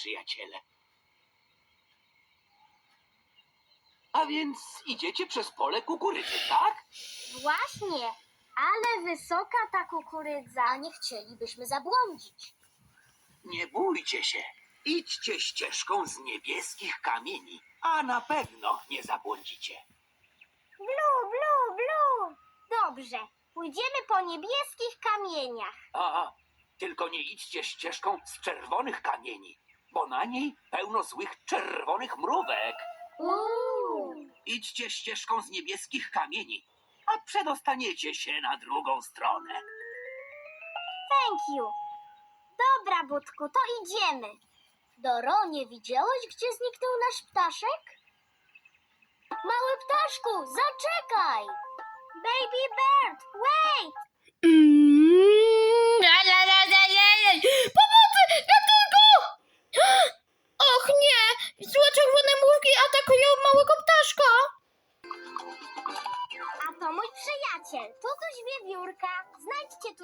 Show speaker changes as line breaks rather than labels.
przyjaciele. A więc idziecie przez pole kukurydzy, tak?
Właśnie, ale wysoka ta kukurydza. Nie chcielibyśmy zabłądzić.
Nie bójcie się. Idźcie ścieżką z niebieskich kamieni, a na pewno nie zabłądzicie.
Blu, blu, blu. Dobrze, pójdziemy po niebieskich kamieniach.
Tylko nie idźcie ścieżką z czerwonych kamieni, bo na niej pełno złych czerwonych mrówek. Idźcie ścieżką z niebieskich kamieni, a przedostaniecie się na drugą stronę.
Thank you. Dobra, Budku, to idziemy. Doro, nie widziałeś, gdzie zniknął nasz ptaszek? Mały ptaszku, zaczekaj! Baby bird, wait!
Pomocy! Ratunku! Och nie! Złe czerwone mrówki atakują małego ptaszka!
A to mój przyjaciel, Tutuś Wiewiórka. Znajdźcie tu